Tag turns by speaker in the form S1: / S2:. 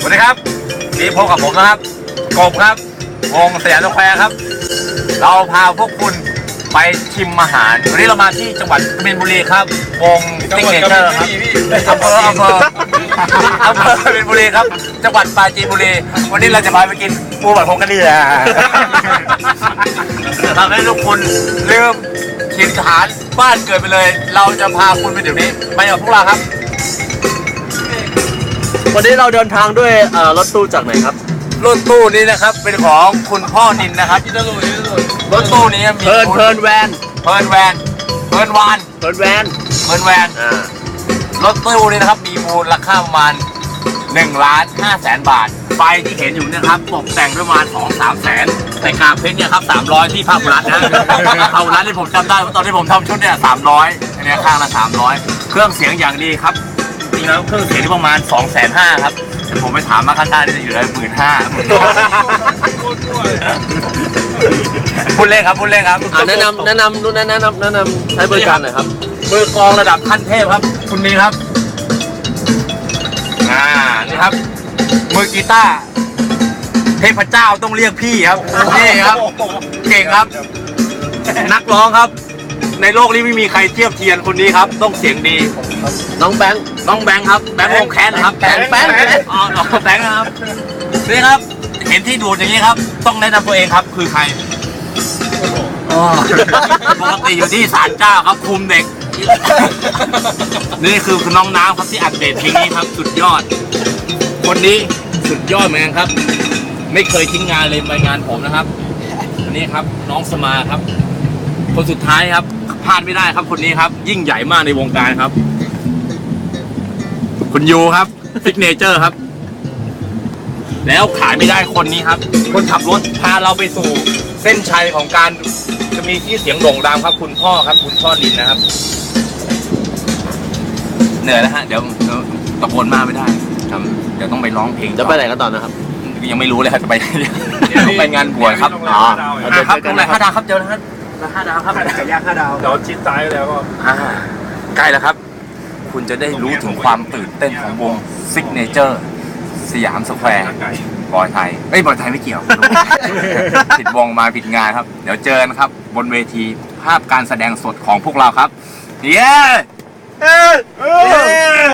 S1: วัสดีครับนี่พบกับผมนะครับกบครับวงสยามสแควร์ครับเราพาพวกคุณไปชิมอาหารวันนี้เรามาที่จังหวัดกบินบุรีครับวงติ๊กเนเจอร์ครับอำเภอกบินบุรีครับจังหวัดปราจีนบุรีวันนี้เราจะพาไปกินปูบัดพงกะดีแหละทำให้ทุกคนลืมถิ่นฐานบ้านเกิดไปเลยเราจะพาคุณไปเดี๋ยวนี้ไปกับพวกเราครับ
S2: วันนี้เราเดินทางด้วยรถตู้จากไหนครับ
S1: รถตู้นี้นะครับเป็นของคุณพ่อนินนะครับรถตู้นี้มี
S2: เพลินแวน
S1: เพลินวานรถตู้นี้นะครับมีมูลค่าประมาณ1,500,000 บาทไฟที่เห็นอยู่นะครับตกแต่งด้วยประมาณ 2-3 แสนแต่กาเพชรเนี่ยครับ300ที่ภาครัฐนะภาครัฐที่ผมจำได้ตอนที่ผมทำชุดเนี่ย300อันนี้ข้างละ300เครื่องเสียงอย่างดีครับจริงแล้วเครื่องเสียงที่ประมาณ 250,000 ครับแต่ผมไปถามมาข้างๆนี่จะอยู่ได้15,000พูดเล่นครับ
S2: แนะนำใช้บริการหน่อยครับ
S1: มือกลองระดับขั้นเทพครับคุณมีครับนี่ครับมือกีตาร์เทพเจ้าต้องเรียกพี่ครับนี่ครับเก่งครับนักร้องครับในโลกนี้ไม่มีใครเทียบเทียมคนนี้ครับต้องเสียงดี
S2: น้องแบงค์
S1: ครับแบงค์วงแคนครับแบงค์อ๋อแบงค์ครับนี่ครับเห็นที่ดูดอย่างนี้ครับต้องแนะนำตัวเองครับคือใครปกติอยู่ที่ศาลเจ้าครับคุมเด็กนี่คือน้องน้ำครับที่อัดเดตเพลงนี้ครับสุดยอดคนนี้สุดยอดเหมือนกันครับไม่เคยทิ้งงานเลยไปงานผมนะครับอันนี้ครับน้องสมาครับคนสุดท้ายครับพลาดไม่ได้ครับคนนี้ครับยิ่งใหญ่มากในวงการครับคุณยูครับซิกเนเจอร์ครับแล้วขายไม่ได้คนนี้ครับคนขับรถพาเราไปสู่เส้นชัยของการจะมีที่เสียงโด่งดังครับคุณพ่อลินนะครับเหนื่อยแล้วฮะเดี๋ยวตะโกนมากไม่ได้ครับเดี๋ยวต้องไปร้องเพลง
S2: จะไปไหนกันต่อนะครับ
S1: ยังไม่รู้เลยครับจะไปไปงานบวชครับครับตรงไหน5 ดาวครับเจอแล้วครับ5 ดาวครับ
S3: ย่าง5 ดาว
S1: เดี๋ยวชิดซ้ายแล้วก็ใกล้แล้วครับคุณจะได้รู้ถึงความตื่นเต้นของวงซิกเนเจอร์สยามสแควร์บอยไทยไม่เกี่ยวผิดวงมาผิดงานครับเดี๋ยวเจอกันครับบนเวทีภาพการแสดงสดของพวกเราครับเย้